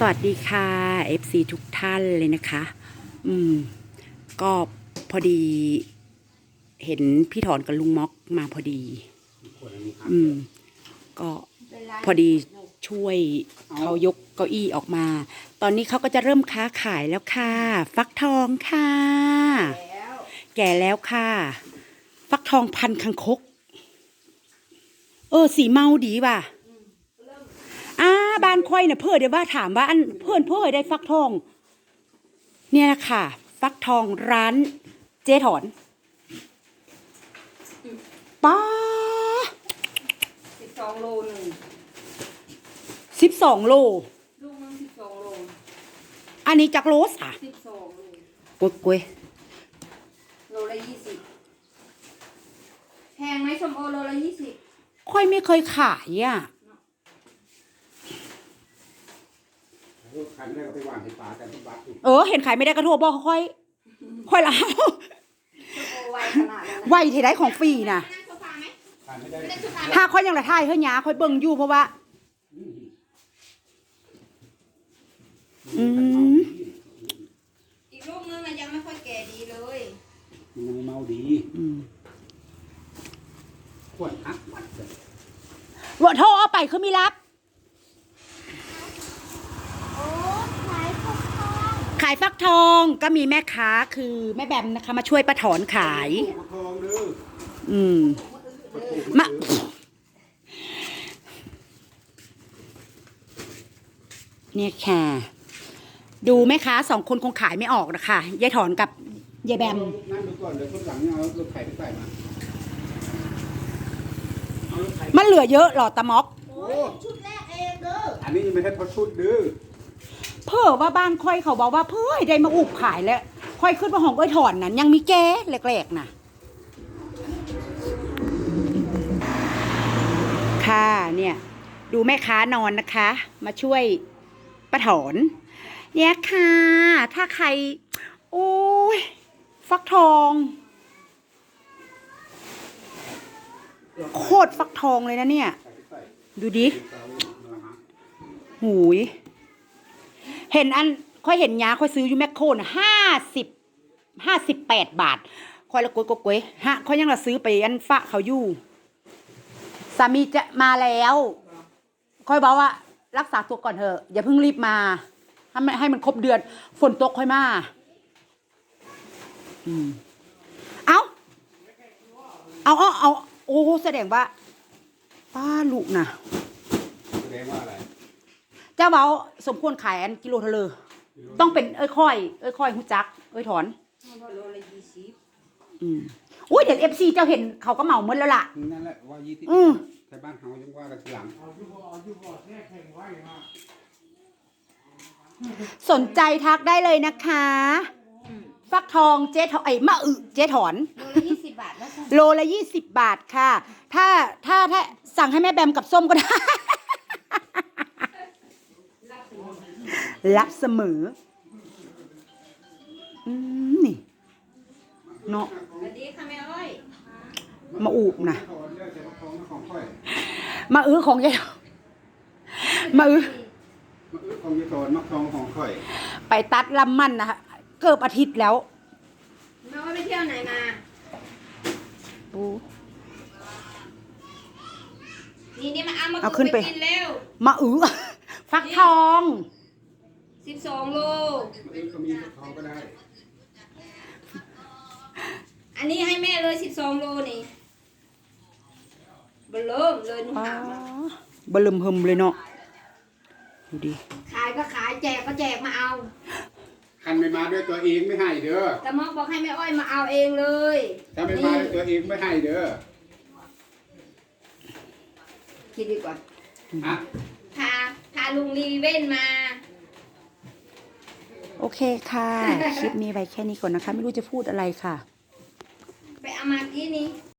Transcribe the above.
สวัสดีค่ะ FC ทุกท่านเลยนะคะ ก็พอดีเห็นพี่ถอนกับลุงม็อกมาพอดี ก็พอดีช่วยเขายกเก้าอี้ออกมา ตอนนี้เขาก็จะเริ่มค้าขายแล้วค่ะ ฟักทองค่ะ แก่แล้วค่ะ ฟักทองพันคังคกสีเมาดีว่ะบ้านค่อยเนี่ยเพื่อเดี๋ยวว่าถามว่าอันเพื่อนได้ฟักทองเนี่ยแหละค่ะฟักทองร้านเจ๊ถอนป้า 12 โลหนึ่ง 12 โลลูกนึง12 โลอันนี้จากโลสอ่ะ 12 โลกล้วยโลละ20แพงไหมส้มโอโลละ20 ค่อยไม่เคยขายอ่ะขายไม่ได้ก็ไปหว่านในป่าแต่ที่วัดเห็นขายไม่ได้กระโทษบอกค่อยละส้มโอไวขนาดนั้นไวเทได้ของฟรีนะขายไม่ได้ถ้าค่อยยังละท่ายเฮ้ยหยาค่อยเบิ่งอยู่เพราะว่าอีกลูกนึงนะยังไม่ค่อยแก่ดีเลยมันเมาดีขวดฮักวัดเลยว่าโทรเอาไปคือมีรับขายฟักทองก็มีแม่ค้าคือแม่แบมนะคะมาช่วยป้าถอนขายมาเนี่ยค่ะดูแม่ค้า2 คนคงขายไม่ออกนะคะยายถอนกับยายแบมนั่งดูก่อนเดี๋ยวคนหลังเนี่ยเอารถไถไปใส่มามันเหลือเยอะหรอตะม็อกชุดแรกเองเด้ออันนี้ยังไม่ใช่พอชุดดื้อเพื่อว่าบ้านค่อยเขาบอกว่าเพื่อได้มาอุบขายแล้วค่อยขึ้นมาห้องก้อยถอนนั้นยังมีแก้แหลกๆนะค่ะเนี่ยดูแม่ค้านอนนะคะมาช่วยป้าถอนเนี่ยค่ะถ้าใครโอ้ยฟักทองโคตรฟักทองเลยนะเนี่ยดูดิหูยเห็นอันค่อยเห็นยาค่อยซื้ออยู่แมคโครนะ58 บาทค่อยละกวยฮะค่อยยังละซื้อไปอันฝะเขาอยู่สามีจะมาแล้วค่อยบอกว่ารักษาตัวก่อนเถอะอย่าเพิ่งรีบมาให้มันครบเดือนฝนตกค่อยมาเอาโอ้แสดงว่าป้าลูกนะแสดงว่าอะไรเจ้าเบาสมควรขายอันกิโลเท่าเลยต้องเป็นค่อยหูจักถอนโลละ20 อุ้ยเดี๋ยวFCเจ้าเห็นเขาก็เหมาหมดแล้วล่ะนั่นแหละว่า20แต่บ้านเขายังว่ากันทีหลังสนใจทักได้เลยนะคะฟักทองเจ๊ถอนมะอึเจ๊ถอนโลละโลละ 20 บาท 20 บาทค่ะถ้าสั่งให้แม่แบมกับส้มก็ได้รับเสมอนี่เนาะสวัสดีค่ะแม่อ้อยมาอูบนะมาอื้อของยายมาอื้อของยายถอนมักทองของค่อยไปตัดลำมันนะคะเกือบอาทิตย์แล้วแม่อ้อยไปเที่ยวไหนมานี่มาเอาขึ้นไปกินเร็วมาอื้อฟักทอง 12 โลก็มีฟักทองก็ได้อันนี้ให้แม่เลย12 โลนี่เบิ่มเลยนุ่มหนามาเบิ่มหึมเลยเนาะดูดิขายก็ขายแจกก็แจกมาเอาคันไม่มาด้วยตัวเองไม่ให้เด้อแต่มอกบอกให้แม่อ้อยมาเอาเองเลยถ้าไม่มาด้วยตัวเองไม่ให้เด้อคิดดีกว่าพาลุงรีเว้นมาโอเคค่ะคลิปนี้ไว้แค่นี้ก่อนนะคะไม่รู้จะพูดอะไรค่ะไปเอามากี้นี้